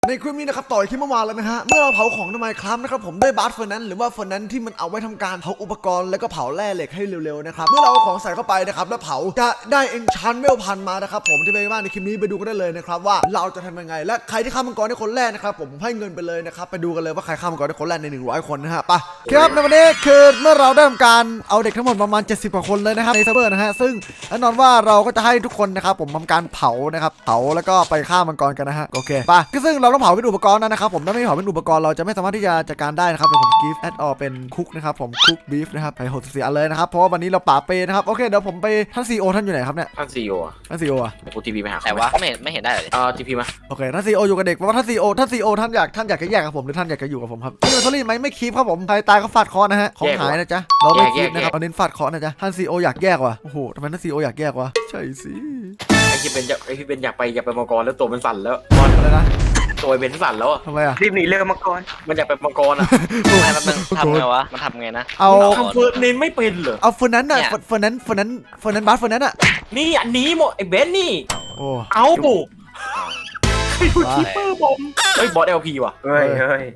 ในคลิปนี้นะครับต่อยที่เมื่อวานแล้วนะฮะเมื่อเราเผาของทำไมครับนะครับผมด้วยบาร์เฟอร์นั้นหรือว่าเฟอร์นั้นที่มันเอาไว้ทำการเผาอุปกรณ์แล้วก็เผาแร่เหล็กให้เร็วๆนะครับเมื่อเราเอาของใส่เข้าไปนะครับแล้วเผาจะได้เอนชานเวลพันมานะครับผมที่เป็นบ้านในคลิปนี้ไปดูกันได้เลยนะครับว่าเราจะทำยังไงและใครที่ฆ่ามังกรได้คนแรกนะครับผมให้เงินไปเลยนะครับไปดูกันเลยว่าใครฆ่ามังกรได้คนแรกใน100คนนะฮะไปครับในวันนี้คือเมื่อเราได้ทำการเอาเด็กทั้งหมดประมาณ70กว่าคนเลยนะครับในเซิร์ฟเวอร์นะฮะซึ่งแน่นอนว่าเราก็จะให้ทุกคนนะครับผมทำการเผานะครับเผาแล้วก็ไปฆ่ามังกรกันนะฮะโอเคไปซึ่งเราต้องเผาเป็นอุปกรณ์นะครับผมถ้าไม่เผาเป็นอุปกรณ์เราจะไม่สามารถที่จะจัดการได้นะครับเดี๋ยวผมกิฟต์แอดออเป็นคุกนะครับผมคุกบีฟนะครับไป64อันเลยนะครับเพราะว่าวันนี้เราป่าเปนะครับโอเคเดี๋ยวผมไปท่านซีโอท่านอยู่ไหนครับเนี่ยท่านซีโอท่านซีโออ่ะกูทีพีไปหาแต่ว่าไม่เห็นได้เลยทีพีมาโอเคท่านซีโออยู่กับเด็กเพราะว่าท่านซีโอท่านอยากจะแยกกับผมหรือท่านอยากจะอยู่กับผมครับนี่มันทอรี่ไหมไม่คีบครับผมใครตายก็ฟาดคอนะฮะของหายนะจ๊ะเราไม่คีบนะครับเอาเน้นฟาดคอนะจ๊ะท่านซีโออยากแยกว่ะโอ้โหทำไมท่านซีโออยากแยกวะใช่สิไอที่เป็นอยากไปมังกรแล้วตัวมันสั่นแล้วบอลอะไรนะตัวเป็นสั่นแล้วทำไมอ่ะรีบหนีเรือมังกรมันอยากไปมังกรอ่ะมันทำไงวะมันทำไงนะเอาทำเฟิร์นเน้นไม่เป็นเหรอเอาเฟิร์นนั้นน่ะเฟิร์นนั้นบัสเฟิร์นนั้นอ่ะนี่อันนี้หมดไอเบนนี่โอ้เอาบุกคีเปอร์บอมบอสเอลพีว่ะเฮ้ย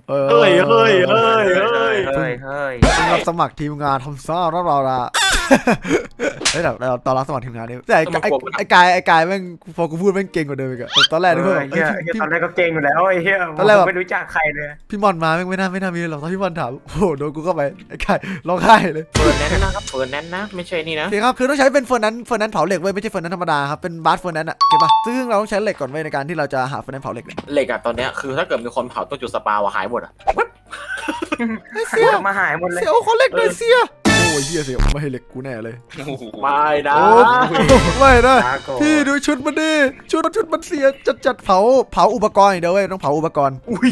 รับสมัครทีมงานทำซ่าเราละเฮ้ยเราตอนรับสมัครทีมงานนี่แต่ไอ้กายแม่งพอกูพูดแม่งเก่งกว่าเดิมอีกอะตอนแรกนี่เพื่อนตอนแรกก็เก่งอยู่แล้วไอ้เหี้ยตอนแรกไม่รู้จักใครเลยพี่มอนมาแม่งไม่น่ามีหรอกตอนพี่มอนถามโอ้โหโดนกูเข้าไปไอ้กายร้องไห้เลยเฟิร์นแนนนะครับเฟิร์นแนนนะไม่ใช่นี่นะโอเคครับคือต้องใช้เป็นเฟิร์นนั้นเผาเหล็กไว้ไม่ใช่เฟิร์นนั้นธรรมดาครับเป็นบาสเฟิร์นนั้นอะเก็บป่ะซึ่งเราต้องใช้เหล็กก่อนไว้ในการที่เราจะหาเฟิร์นนั้นเผาเหล็กเหล็กอะตอนเนี้ยคือถ้าเกิดมีคนเผาต้นจุดสปาวหายหมดอะเสียมาหายหมดเลยเสียคนเหล็กเลยเสียโอ้ยเฮียเสียไม่ให้เหล็กกูแน่เลยไม่นะไม่นะพี่ดูชุดมันดิชุดมันเสียจัดเผาอุปกรณ์เดี๋ยวเว้ยต้องเผาอุปกรณ์อุ้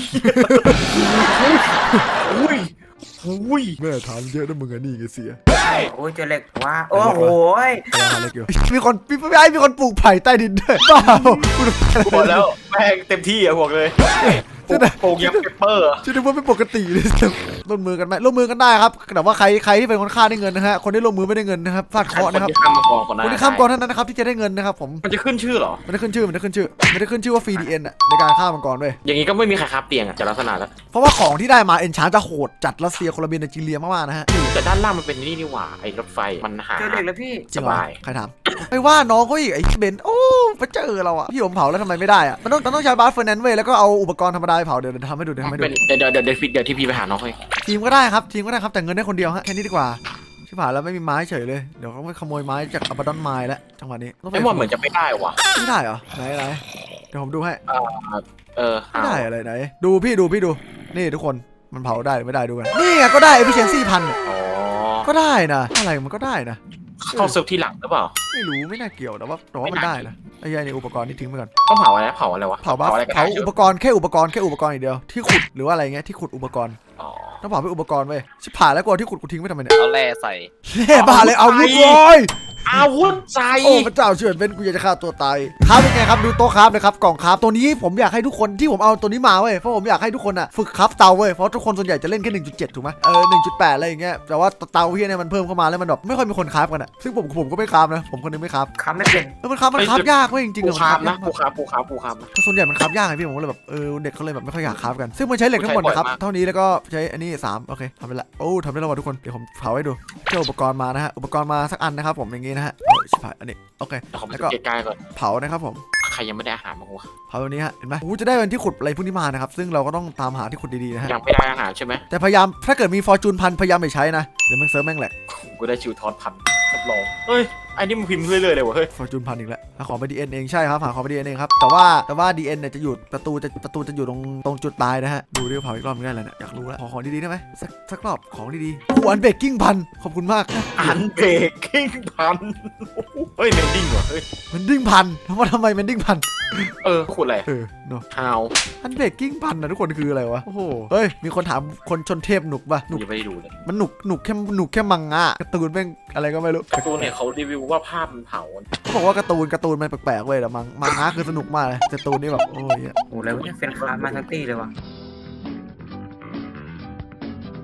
ยแม่ถามเยอะนะมึงอะนี่ไงเสียโอ้ยเจอเหล็กว่าโอ้โหมีคนปลูกไผ่ใต้ดินด้วยเปล่าหมดแล้วแม่งเต็มที่อะบอกเลยปลูกยังเปเปอร์จะดูว่าไม่ปกติเลยร่วมมือกันไหมร่วมมือกันได้ครับแต่ว่าใครที่เป็นคนฆ่าได้เงินนะฮะคนที่ร่วมมือไม่ได้เงินนะครับฟาดเคราะห์นะครับคนที่ข้ามก่อนเท่านั้นนะครับที่จะได้เงินนะครับผมมันจะขึ้นชื่อหรอไม่ได้ขึ้นชื่อว่าฟรีดีเอ็นอะในการฆ่ามังกรด้วยอย่างนี้ก็ไม่มีใครคาบเตียงอะจากลักษณะแล้วเพราะว่าของที่ได้มาเอนชานจะโหดจัดรัสเซียโคลอมเบียไนจีเรียมากๆนะฮะแต่ด้านล่างมันเป็นนี่หว่าไอ้รถไฟมันหาเจอเหล็กแล้วพี่สบายใครถามไม่ว่าน้องเขาอีกไอ้เบนโอ้ไปเจอเราอะพี่ผมเผาแล้วทำไมไม่ได้อะมันต้องใช้บาร์เฟอร์นันเว้ยแล้วก็เอาอุปกรณ์ธรรมดาเผาเดี๋ยวทำให้ดูเดี๋ยวที่พี่ไปหาน้องให้ทีมก็ได้ครับแต่เงินได้คนเดียวฮะแค่นี้ดีกว่าชิบหายแล้วไม่มีไม้เฉยเลยเดี๋ยวเขาไปขโมยไม้จากอับดอนไม้แล้วจังหวะนี้ไอ้หมดเหมือนจะไม่ได้ว่ะไม่ได้เหรอไหนเดี๋ยวผมดูให้ไม่ได้อะไรไหนดูพี่ดูนี่ทุกคนมันเผาได้หรือไม่ได้ดูกันนี่ก็ได้ efficiency 1,000ก็ได้นะอะไรมันก็ได้นะเข้าเซิร์ฟที่หลังหรือเปล่าไม่รู้ไม่น่าเกี่ยวแต่ว่ามันได้นะไอ้ยัยในอุปกรณ์นี่ทิ้งไปก่อนต้องเผาอะไรวะเผาอุปกรณ์แค่อุปกรณ์อย่างเดียวที่ขุดหรือว่าอะไรเงี้ยที่ขุดอุปกรณ์ต้องเผาเป็นอุปกรณ์เว้ยชิบหายแล้วกว่าที่ขุดกูทิ้งไปทำไมเนี่ยเอาแร่ใส่แร่บ้าเลยเอาวุธเลยอาวุธใจโอ้พระเจ้าเฉือนเป็นกูอยากจะฆ่าตัวตายครับเป็นไงครับดูโต๊ะครับเลยครับกล่องครับตัวนี้ผมอยากให้ทุกคนที่ผมเอาตัวนี้มาเว้ยเพราะผมอยากให้ทุกคนอ่ะฝึกครับเตาเว้ยเพราะทุกคนส่วนใหญ่จะเล่นแค่ 1.7 ถูกไหม1.8 อะไรอย่างเงี้ยแต่ว่าเตาที่เนี่ยมันเพิ่มเข้ามาแล้วมันแบบไม่ค่อยมีคนคราฟกันอ่ะซึ่งผมก็ไม่คราฟนะผมคนนึงไม่คราฟไม่เป็นมันคราฟยากเว้ยจริงๆปูคราฟนะปูคราฟส่วนใหญ่มันคราฟยากไงพี่ผมก็เลยแบบเด็กเขาเลยแบบไม่ค่อยอยากคราฟกันซึ่งมันใช้เหล็กทั้งหมดนะครับเท่านี้แล้วก็ใช้อันนี้3โอเคทำไปละโอ้ทำได้แล้วว่ะทุกคนเดี๋ยวผมเผาให้ดูเจ้าอุปกรณ์มานะฮะอุปกรณ์มาสักอันนะครับผมอย่างงี้นะฮะชิบหายอันนี้โอเคแล้วก็ใกล้ๆก่อนเผานะครับผมใครยังไม่ได้อาหารบ้างวะเผาตัวนี้ฮะเห็นไหมจะได้เป็นที่ขุดอะไรพวกนี้มานะครับซึ่งเราก็ต้องตามหาที่ขุดดีๆนะฮะยังไม่ได้อาหารใช่ไหมแต่พยายามถ้าเกิดมีฟอร์จูน1,000พยายามไม่ใช้นะเดี๋ยวมันเซิร์ฟแม่งแหลกกูได้ชิวทอด1,000รับรองเฮ้ยไอ้นี่มึงพิมพ์เรื่อยๆเลยวะเฮ้ยฟอร์จูน1,000อีกแล้วหาของไปดีเอ็นเองใช่ครับหาของไปดีเอ็นเองครับแต่ว่าดีเอ็นเนี่ยจะอยู่ประตูจะอยู่ตรงจุดตายนะฮะดูดิเผาอีกรอบนึงได้แล้วเนี่ยอยากรู้แล้วขอของดีๆได้ไหมสักรอบของดีๆอันเบกกิ้ง1,000ขอบคุณมากอันเบกกิ้ง1,000เฮ้ยเมนดิ้งวะเฮ้ยเมนดิ้ง1,000ทำไมเมนดิ้ง1,000 ขุดอะไรเนาะฮาวอันเบกกิ้ง1,000นะทุกคนคืออะไรวะโอ้โหเฮ้ยมีคนถามคนชนเทพหนุกป่ะหนุกยังไม่ได้ดูเลยมันหนุกแค่มังงะการ์ตูนแม่งอะไรก็ไม่รู้การ์ตูนเนี่ยเขารีวิวว่าภาพมันเผาเขาบอกว่าการ์ตูนมันแปลกๆเว้ยแต่มังงะคือสนุกมากเลยการ์ตูนนี่แบบโอ้ยโอ้แล้วเนี่ยเป็นคลาสมาทักตี้เลยวะช่วยด้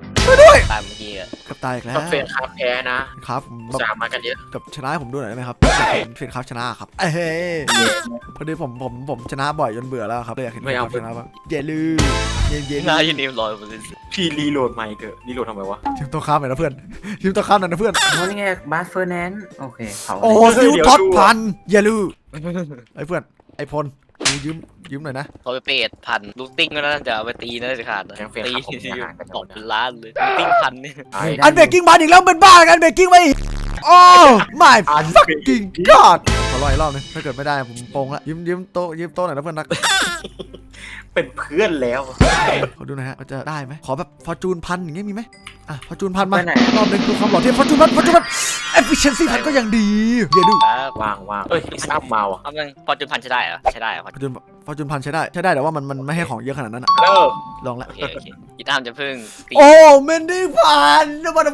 ด้วยตามเมื่อกี้อะกับตายอีกแล้วกับเฟนคาแพ้นะครับแบบสามมากันเยอะกับชนะให้ผมดูหน่อยได้ไหมครับเฟนครับชนะครับเอ้ยพอดีผมชนะบ่อยจนเบื่อแล้วครับเลยอยากเห็นชนะบ้างเยลืเย็นหน้ายูนิฟ100% พี่รีโหลดใหม่เถอะรีโหลดทำไมวะทีมตัวข้ามหน่อยนะเพื่อนทีมตัวข้ามหน่อยนะเพื่อนโอ้นี่ไงบาสเฟอร์แนนซ์โอเคเผาโอ้ซิวท็อตพันเยลืไอ้เพื่อนไอ้พลยืมหน่อยนะพอไปเปดพันลูกติ้งก็น่าจะเอาไปตีน่าจะขาดนะแกงเฟนตีครับผมอาหารกันตกเป็นล้านเลยลูกติ้งพันนี่อันเบรกกิ้งมาอีกแล้วเป็นบ้ากันเบรกกิ้งไปอีกโอ้ my fucking god ขอรออีกรอบนึงถ้าเกิดไม่ได้ผมโปงละยืมโต๊ะหน่อยนะเพื่อนนักเป็นเพื่อนแล้วขอดูหน่อยฮะว่าจะได้ไหมขอแบบฟอร์จูนพันอย่างเงี้ยมีไหมอ่ะฟอร์จูนพันมารอบนึงดูความหล่อเทียบฟอร์จูนพันefficiency พันก็ยังดีอย่าดูครับวางเอ้ยซ้ำมาว่ะเอามันพอจุดพันใช้ได้เหรอใช้ได้เหรอฟอร์จูนพันใช้ได้แต่ว่ามันไม่ให้ของเยอะขนาดนั้นอะเลิกลองละโอเคอีตามจะพึ่งตีโอ้เมนดี้พันแล้วมัน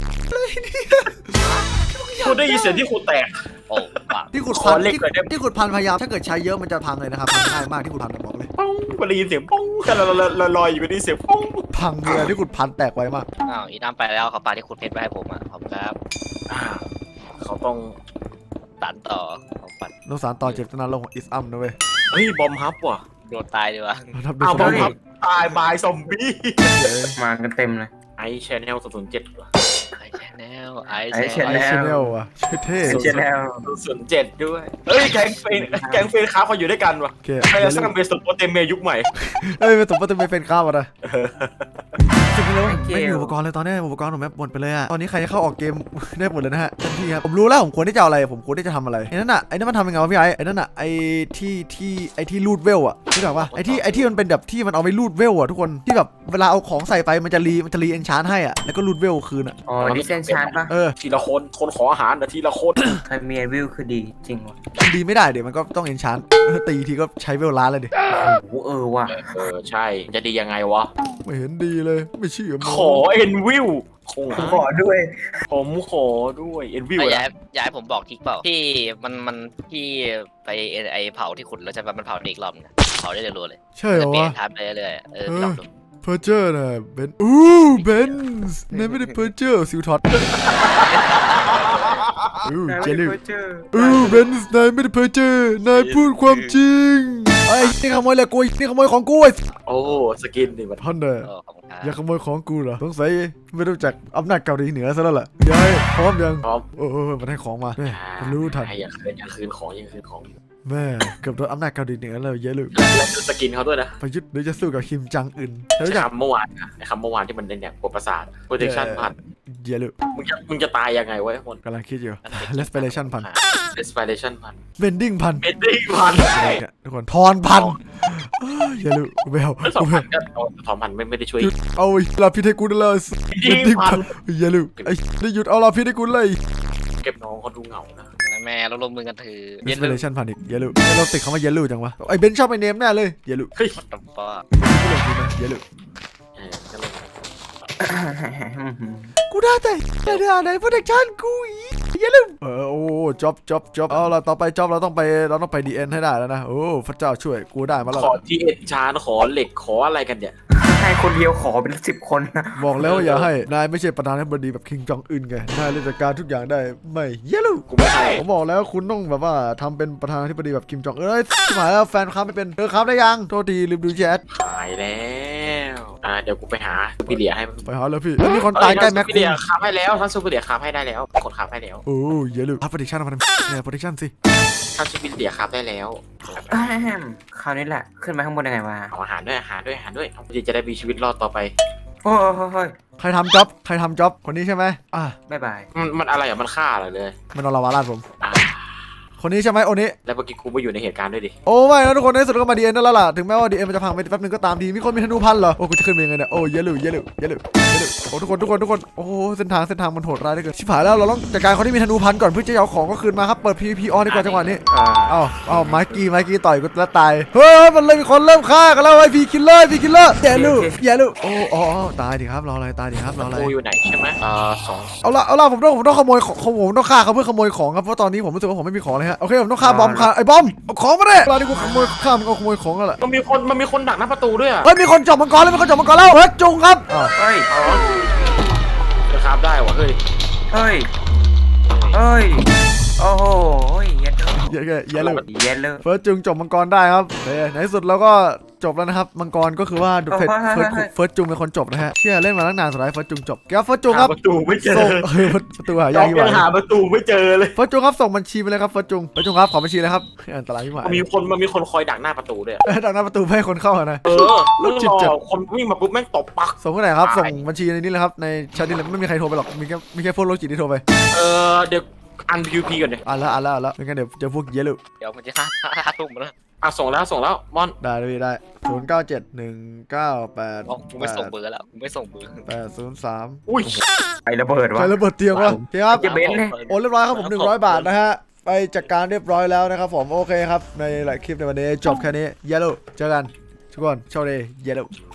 คุณได้ยินเสียงที่คุณแตกโอ้ปากที่ขุดขพัอน เหล็กหน่อยได้ไหมที่ขุดพันพยายามถ้าเกิดใช้เยอะมันจะพังเลยนะครับพังง่ายมากที่ขุดพันบอกเลยป้องคุณได้ยินเสียงป้องกันลอยอยู่ได้ยินเสียงป้องพังเลยที่ขุดพันแตกไวมากอ้าวอีตามไปแล้วเขาปาที่คุณเพชรไปให้ผมอ่ะขอบคุณครับเขาต้องตันต่อของปัดโนสารต่อเจ็บตนาลงของอิสอัมนะเว้ยเฮ้ยบอมฮับว่ะโดนตายดีวะทำได้อ้าวสบอมบายฮับตายบายซอมบี้มากันเต็มเลยไอชแนล007ว่ะไอแชนแนลไอไอ้แช Channel นแนลชแนลอ่ะชื่อเท่เชนแนล 007ด้วยเฮ้ยแกงเฟนค้าเขาอยู่ด้วยกันว่ะโอเคใครจะสร้างเบสโปเตเมยุคใหม่เอ้ยไม่สมมติจะไม่เป็นข้าวอ่ะนะจริงๆแล้วไม่มีอุปกรณ์เลยตอนนี้อุปกรณ์ผมแมปหมดไปเลยอะตอนนี้ใครจะเข้าออกเกม ได้หมดเลยนะฮะทันทีครับผมรู้แล้วผมควรที่จะเอาอะไรผมควรที่จะทำอะไรไอ้นั่นมันทำยังไงวะพี่ไอ้นั่นน่ะไอ้ที่รูดเวลอะรู้จักปะไอ้ที่มันเป็นแบบที่มันเอาไปรูดเวลอะทุกคนที่แบบเวลาเอาของใส่ไปมันจะรีเอนชานให้อะแล้วก็รูดเวลคืนอะอ๋อดิเซนชาร์ดปะทีละคนขออาหารนะทีละคนใครมีวิวคือดีจริงวะดีไม่ได้เดี๋ยวมันก็ต้องเอนชานตีทีก็ใช้เวลล้านเลยดิโอ้โหว่ะใช่จะดียังไงวะไม่เห็นดีเลยไม่เชื่อขอเอ็นวิวคงขอด้วยผมขอด้วยเอ็นวิวย้ายผมบอกทิกเปล่าที่มันที่ไปไอเผาที่ขุดแล้วใช่ปะมันเผาอีกรอบนึงเผาได้รัวๆเลยใช่เหรจะอเปลี่ยวะนทับไปเรื่อยๆพี่ลองดูเพอร์เจอร์น่ะเบนเบนส์นายไม่ได้เพอร์เจอร์ซิลท็อตเจลิวเบนส์นายไม่ได้เพอร์เจอร์นายพูดความจริงไอ้นี่ขโมยเลยกูนี่ขโมยของกูไอ้โอ้สกินนี่มันท่านเด้อขอบคุณครับอย่าขโมยของกูเหรอสงสัยไม่รู้จักอำนาจเกาหลีเหนือซะแล้วล่ะยายพร้อมยังพร้อมมันให้ของมาแม่มันรู้ทันอย่าคืนของแม่เกือบโดนอำนาจเกาหลีเหนือแล้วเยอะเลยแล้วดูสกินเขาด้วยนะประยุทธ์หรือจะสู้กับคิมจังอึนรู้ใช้จักคำเมื่อวานนะไอ้คำเมื่อวานที่มันเป็นอย่างปวดประสาท protection พันเยอะเลยมึงจะตายยังไงวะคนกำลังคิดอยู่ respiration พัน respiration พัน bending พัน bending พันทุกคนทอนพันอย่าลืมไม่เอาแล้ว2,000ก็2,000ไม่ได้ช่วยเอาลาพิษให้กูได้เลย bending พันอย่าลืมไอ้ได้หยุดเอาลาพิษให้กูเลยเก็บน้องเขาดูเหงานะแม่เราลงมือกันถือ respiration พันอีกอย่าลืมเราติดคำว่าอย่าลืมจังวะไอ้เบนชอบไอ้เนมแน่เลยอย่าลืมเฮ้ยตับป้ากูเลยดีนะอย่าลืมก็เลยกูได้แต่ไหน protection กูอย่าลืมโอ้จ็อบเอาละต่อไปจ็อบเราต้องไปดีเอ็นให้ได้แล้วนะโอ้พระเจ้าช่วยกูได้มาแล้วขอที่เอ็นชานขอเหล็กขออะไรกันเนี่ยให้คนเดียวขอเป็น10 คนนะบอกแล้วอย่าให้นายไม่ใช่ประธานาธิบดีแบบคิงจองอึนไงนายเลยจัดการทุกอย่างได้ไม่อย่าลืมกูไม่ให้ผมบอกแล้วคุณต้องแบบว่าทำเป็นประธานาธิบดีแบบคิมจองสมัยแล้วแฟนครับไม่เป็นครับได้ยังโทษทีลืมดูแชทหายแล้วเดี๋ยวกูไปหาพี่เดียให้ไปหาแล้วพี่แล้วมีคนตายใกล้แม็กพี่คุเดีณยคาให้แล้วท่านซูเปอร์เดียคาให้ได้แล้วกดคาให้แล้วโอ้อย่าลืมพัดโปรดิชั่นมาทำเนี่ยโปรดิชั่นสิท่านซูเปอร์เดียคาได้แล้วคราวนี้แหละขึ้นมาข้างบนยังไงวะเอาอาหารด้วยจะได้มีชีวิตรอดต่อไปโอ้ยใครทำจ็อบคนนี้ใช่ไหมบ๊ายบายมันอะไรมันฆ่าอะไรเลยมันเอาลาวาลาดผมคนนี้ใช่ไหมโอนี้แล้วเมื่อกี้กูไม่อยู่ในเหตุการณ์ด้วยดิโอ้ไม่นะทุกคนในสุดก็มาดีเอ็นนั่นแล้วล่ะถึงแม้ว่าดีเอ็นมันจะพังไปแป๊บนึงก็ตามทีมีคนมีธนูพันเหรอโอ้กูจะขึ้นไปยังไงเนี่ยโอ้อย่าลืมโอ้ทุกคนโอ้เส้นทางมันโหดร้ายเหลือเกินชิบหายแล้วเราต้องจัดการคนที่มีธนูพันก่อนเพื่อจะเอาของก็คืนมาครับเปิด PVP ออนดีกว่าจังหวะนี้เอาไมกี้ต่อยกูแล้วตายเฮ้ยมันเลยมีคนเริ่มฆ่ากันแล้วไอ้พีคิลเลอร์อย่าลืมโอ้ตายดิครับรออะไรกูอยู่ไหนใช่ไหม2 เอาละผมต้องขโมยของผมต้องฆ่าเขาเพื่อขโมยของครับเพราะตอนนี้ผมรู้สึกว่าผมไม่มีของเลยฮะโอเคผมต้องฆ่าบอมไอ้บอมเอาของมาดิเวลาที่กูขโมยของแล้วแหละมันมีคนดักหน้าประตูด้วยอ่ะเฮ้ยมีคนจับมังกรแล้วเฮ้ยจุงครับเฮ้ยครับได้วะเฮ้ยเฮ้ยโอ้โหเย็นเยอะเลยเย็นเลยเฟิร์สจุงจบมังกรได้ครับในที่สุดเราก็จบแล้วนะครับมังกรก็คือว่าเฟิร์สจุงเป็นคนจบนะฮะเชื่อเล่นมาตั้งนานสุดท้ายเฟิร์สจุงจบครับเฟิร์สจุงครับประตูไม่เจอส่งประตูหายากที่ยังว่าหาประตูไม่เจอเลยเฟิร์สจุงครับส่งบัญชีไปเลยครับเฟิร์สจุงครับขอบัญชีเลยครับอันตรายที่หมายมันมีคนคอยดักหน้าประตูด้วยดังนั้นประตูไม่ให้คนเข้านะแล้วรอคนวิ่งมาปุ๊บแม่งตบปักส่งที่ไหนครับส่งบัญชีในนี้เลยครับในแชทนี้เลยไม่มีใครโทรไปหรอกมีแค่พวกโรคจิตที่โทรไปเดี๋ยวอัน PVP ก่อนเดี๋ยวอ่านแล้วไม่งั้นเดี๋ยวเจอพวกเยอะเลยเดี๋ยวมันจะห้าทุ่มแล้วส่งแล้วมอนได้เลยได้097198 ไม่ส่งเบอร์แล้วไม่ส่งเบอร์ 803 อุ้ยไอ้ระเบิดวะใครระเบิดเตียงวะโอเคครับจะเบนซ์เลยโอนเรียบร้อยครับผม100 บาทนะฮะไปจัดการเรียบร้อยแล้วนะครับผมโอเคครับในหลายคลิปในวันนี้จบแค่นี้เยลโล่เจอกันทุกคนโชคดีเยลโล่